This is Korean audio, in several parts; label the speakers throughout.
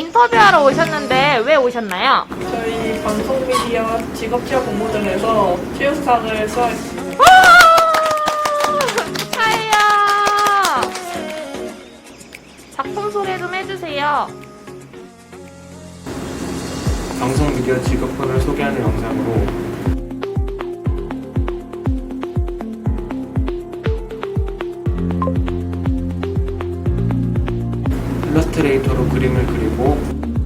Speaker 1: 인터뷰하러 오셨는데 왜 오셨나요?
Speaker 2: 저희 방송미디어 직업취업 공모전에서 취업상을 수상했습니다.
Speaker 1: 축하해요. 작품 소개 좀 해주세요.
Speaker 3: 방송 미디어 직업군을 소개하는 영상으로 일러스트레이터로 그림을 그리고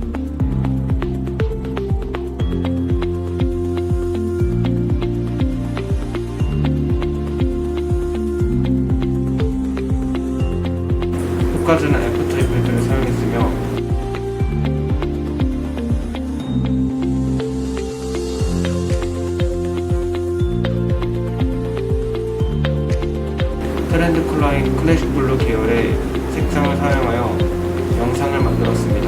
Speaker 3: 효과주는 애프터 이펙트를 사용했으며 트렌드 컬러인 클래식 블루 계열의 색상을 사용하여 영상을 만들었습니다.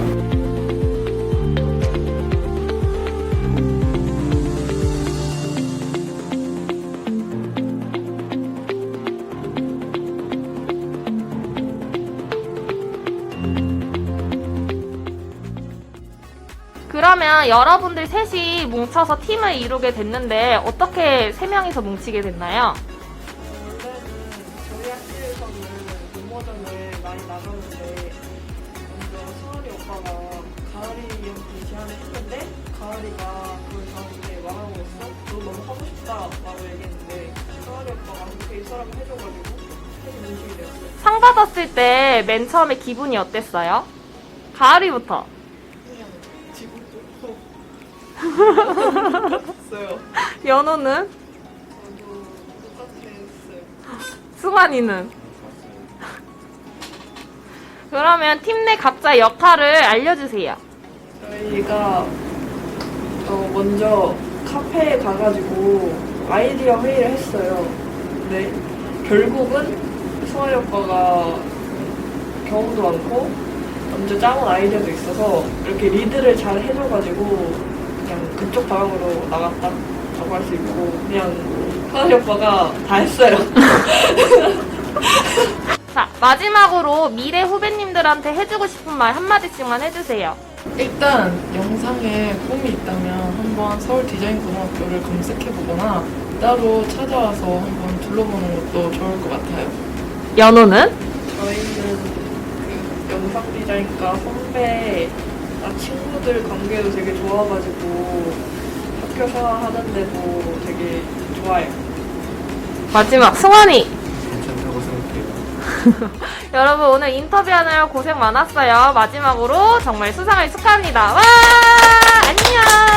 Speaker 1: 그러면 여러분들 셋이 뭉쳐서 팀을 이루게 됐는데 어떻게 세 명이서 뭉치게 됐나요?
Speaker 2: 원래는 저희 학교에서는 공모전을 많이 나가는데 먼저 승환이 오빠가 가을이 형한테 제안을 했는데 가을이가 그걸 저한테 말하고 있어? 너 너무 하고 싶다 라고 얘기했는데 승환이 오빠가 그렇게 이 사람을 해줘가지고 셋이 뭉치게 됐어요.
Speaker 1: 상 받았을 때 맨 처음에 기분이 어땠어요? 가을이부터.
Speaker 2: 그냥 기분 좋고 똑같았어요.
Speaker 1: 연호는?
Speaker 2: 저도 똑같았어요.
Speaker 1: 승환이는? 그러면 팀 내 각자 역할을 알려주세요.
Speaker 2: 저희가 먼저 카페에 가가지고 아이디어 회의를 했어요. 근데 결국은 승환이 오빠가 경험도 많고 먼저 짜온 아이디어도 있어서 이렇게 리드를 잘 해줘가지고 그냥 그쪽 방향으로 나갔다라고 할 수 있고 그냥 승환이 오빠가 다 했어요.
Speaker 1: 자, 마지막으로 미래 후배님들한테 해주고 싶은 말 한마디씩만 해주세요.
Speaker 4: 일단 영상에 꿈이 있다면 한번 서울 디자인고등학교를 검색해보거나 따로 찾아와서 한번 둘러보는 것도 좋을 것 같아요.
Speaker 1: 연호는?
Speaker 2: 저희는 그 영상 디자인과 선배, 친구들 관계도 되게 좋아가지고 학교 생활하는데도 되게 좋아요.
Speaker 1: 마지막, 승환이!
Speaker 3: 괜찮다고 생각해요.
Speaker 1: 여러분 오늘 인터뷰하느라 고생 많았어요. 마지막으로 정말 수상을 축하합니다. 와! 안녕!